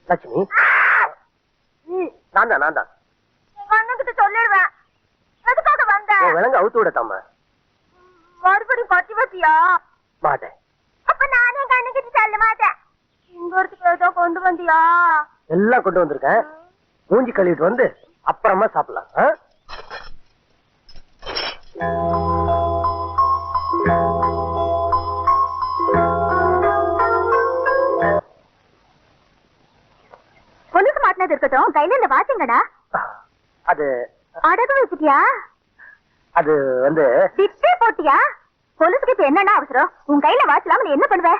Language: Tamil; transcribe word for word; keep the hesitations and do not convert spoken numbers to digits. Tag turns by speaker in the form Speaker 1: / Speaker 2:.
Speaker 1: லட்சுமி நான் தான் நான் தான்
Speaker 2: அண்ணன்கிட்ட சொல்லிடுவேன். எதுக்காக வந்த?
Speaker 1: விலங்கு அவுத்து விடத்தாமா.
Speaker 2: மறுபடியும் பத்தி பத்தியா?
Speaker 1: மாட்டேன்.
Speaker 2: அப்ப நானே கண்ணுக்கிட்டு சொல்ல மாட்டேன். இங்க ஒருத்துக்கு ஏதோ கொண்டு வந்தியா?
Speaker 1: எல்லாம் கொண்டு வந்திருக்கேன். மூஞ்சி கழுவிட்டு வந்து அப்புறமா சாப்பிடலாம்.
Speaker 2: கொலுசு மாட்டினது இருக்கட்டும், கையில இந்த வாட்சிங்கடா.
Speaker 1: அது
Speaker 2: அடகு வச்சுட்டியா?
Speaker 1: அது வந்து
Speaker 2: திட்டே போட்டியா? கொலுசுக்கு இப்ப என்னன்னா அவசரம்? உன் கையில வாட்ச் இல்லாம நீ என்ன பண்ணுவ?